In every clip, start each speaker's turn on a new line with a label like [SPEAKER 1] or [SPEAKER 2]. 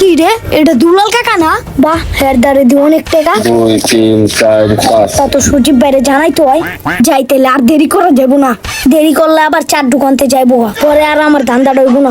[SPEAKER 1] কি রে, এটা দুলাল কাকা না? বাহ, হের দারে দি অনেক টাকা।
[SPEAKER 2] 2 3 4 5
[SPEAKER 1] তা তো সজীব বাইরে জানাই তো হয়, যাইতেলে আর দেরি করা যাবো না। দেরি করলে আবার চার দোকানতে যাইবো, পরে আর আমার ধান্দা ডইব না।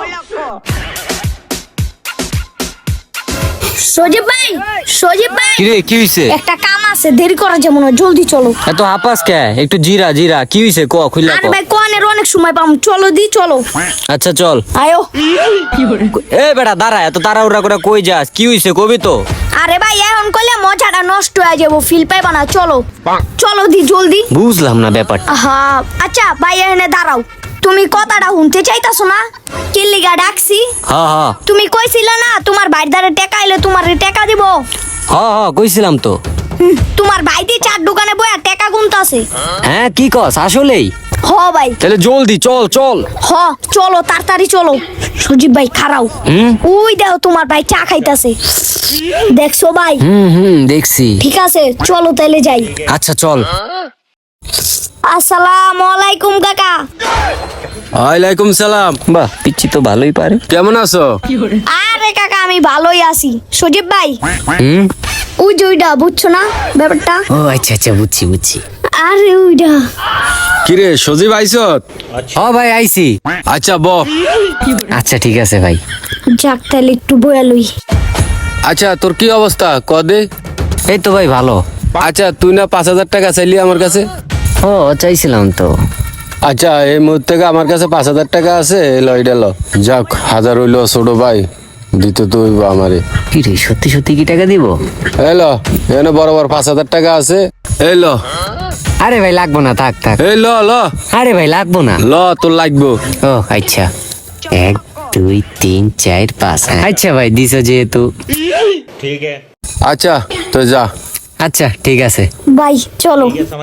[SPEAKER 1] সজীব ভাই, সজীব ভাই,
[SPEAKER 3] কি রে, কি হইছে?
[SPEAKER 1] একটা কাম আছে, দেরি করা যাবো না, জলদি চলো।
[SPEAKER 3] এত হাপাস কে? একটু জিরা জিরা, কি হইছে ক, খুইলা
[SPEAKER 1] আরে
[SPEAKER 3] ক।
[SPEAKER 1] ভাই, কোয়ানের অনেক সময় পাম, চলো দি চলো।
[SPEAKER 3] আচ্ছা চল।
[SPEAKER 1] আয়ো।
[SPEAKER 3] এ বেটা দাঁড়া, এত তাড়াহুড়া করে কই যাস? কি হইছে কবি তো?
[SPEAKER 1] আরে ভাই, এখন কইলে মজাটা নষ্ট হয়ে যাবো, ফিল পাইবা না, চলো চলো দি জলদি।
[SPEAKER 3] বুঝলাম না ব্যাপারটা।
[SPEAKER 1] আহা, আচ্ছা ভাই এখানে দাঁড়াও। তুমি কথাটা শুনতে চাইতাছো না? কি লিগা ডাকছি?
[SPEAKER 3] হ্যাঁ হ্যাঁ
[SPEAKER 1] তুমি কইছিলে না তোমার ভাইয়ের দ্বারা টাকা এলে তোমার টাকা দিব।
[SPEAKER 3] হ্যাঁ হ্যাঁ কইছিলাম তো।
[SPEAKER 1] তোমার ভাই দিয়ে চার দোকানে বইয়া টাকা গুনতাছে।
[SPEAKER 3] হ্যাঁ কি কস আসলেই?
[SPEAKER 1] হ ভাই,
[SPEAKER 3] তাহলে জলদি চল চল।
[SPEAKER 1] হ চলো তাড়াতাড়ি চলো। সজীব ভাই খারাও, ওই দেখো তোমার ভাই চা খাইতাছে, দেখছো ভাই?
[SPEAKER 3] দেখছি।
[SPEAKER 1] ঠিক আছে চলো তাইলে যাই।
[SPEAKER 3] আচ্ছা চল।
[SPEAKER 1] আসসালামু আলাইকুম কাকা।
[SPEAKER 4] ওয়ালাইকুম সালাম।
[SPEAKER 3] বাহ, পিচ্ছি তো ভালোই পারে।
[SPEAKER 4] কেমন আছো?
[SPEAKER 1] আরে কাকা আমি ভালোই আছি। সজীব ভাই,
[SPEAKER 3] হুম।
[SPEAKER 1] ওই যে ওইটা বুঝছো না ব্যাপারটা?
[SPEAKER 3] ও আচ্ছা আচ্ছা, বুঝছি বুঝছি।
[SPEAKER 1] আরে ওইটা।
[SPEAKER 4] কিরে সজীব আইছত?
[SPEAKER 3] হ ভাই আইছি।
[SPEAKER 4] আচ্ছা ব।
[SPEAKER 3] আচ্ছা ঠিক আছে ভাই।
[SPEAKER 1] যাক তাহলে একটু বয়া লই।
[SPEAKER 4] আচ্ছা তোর কি অবস্থা কদে?
[SPEAKER 3] এই তো ভাই ভালো।
[SPEAKER 4] আচ্ছা তুই না 5,000 টাকা চাইলি আমার কাছে?
[SPEAKER 3] ও চাইছিলাম তো।
[SPEAKER 4] আচ্ছা এই মুহূর্তে আমার কাছে 5,000 টাকা আছে, এলো এটা লো। যাক 1000 হইলো ছোট ভাই, দিতে তো হইব আমারে।
[SPEAKER 3] কি রে, সত্যি সত্যি কি টাকা দিব?
[SPEAKER 4] এলো এনে বরাবর 5,000 টাকা আছে, এলো।
[SPEAKER 3] আরে ভাই লাগবো না, থাক থাক।
[SPEAKER 4] এই ল ল
[SPEAKER 3] আরে ভাই লাগবো না।
[SPEAKER 4] ল তোর লাগবো।
[SPEAKER 3] ও আচ্ছা, 1 2 3 4 5। আচ্ছা ভাই দিছো যেহেতু।
[SPEAKER 4] আচ্ছা তো যা।
[SPEAKER 3] আচ্ছা ঠিক আছে।
[SPEAKER 1] ভাই চলো।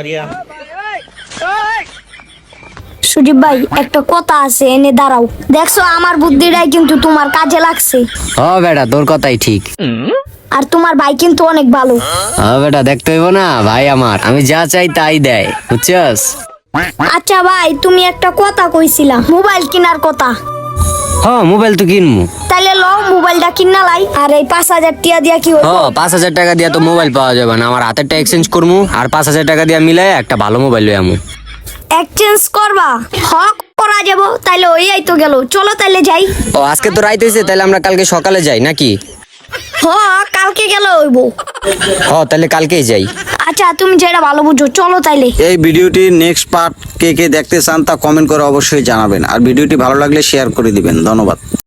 [SPEAKER 1] সুদীপ ভাই একটা কথা আছে, এনে দাঁড়াও। দেখছো আমার বুদ্ধিটাই কিন্তু তোমার কাজে লাগছে,
[SPEAKER 3] ও বেটা তোর কথাই ঠিক।
[SPEAKER 1] আর তোমার ভাই কিন্তু অনেক ভালো।
[SPEAKER 3] ও বেটা দেখতে হইব না, ভাই আমার আমি যা চাই তাই দেয়, বুঝছস?
[SPEAKER 1] আচ্ছা ভাই, তুমি একটা কথা কইছিলা মোবাইল কেনার কথা,
[SPEAKER 3] হ্যাঁ মোবাইল তো কিনমু।
[SPEAKER 1] তাইলে লও মোবাইলটা কিনা লাই। আর এই 5,000 টিয়া দিয়া কি হইব?
[SPEAKER 3] হ্যাঁ 5,000 টাকা দিয়া তো মোবাইল পাওয়া যাবে না, আমার হাতেরটা এক্সচেঞ্জ করমু, আর 5,000 টাকা দিয়া মিলাই একটা ভালো মোবাইল লই আমু।
[SPEAKER 1] এক্সচেঞ্জ করবা? হক করা যাব, তাইলে ওই আইতো গেল। চলো তাইলে যাই।
[SPEAKER 3] ও আজকে তো রাইত হইছে, তাহলে আমরা কালকে সকালে যাই নাকি?
[SPEAKER 1] হ, কালকে গেলে হইব।
[SPEAKER 3] হ্যাঁ তাহলে কালকেই যাই।
[SPEAKER 1] আচ্ছা তুমি যেটা ভালো বুঝো, চলো তাইলে।
[SPEAKER 5] এই ভিডিওটির নেক্সট পার্ট কে কে দেখতে চান তা কমেন্ট করে অবশ্যই জানাবেন, আর ভিডিওটি ভালো লাগলে শেয়ার করে দিবেন। ধন্যবাদ।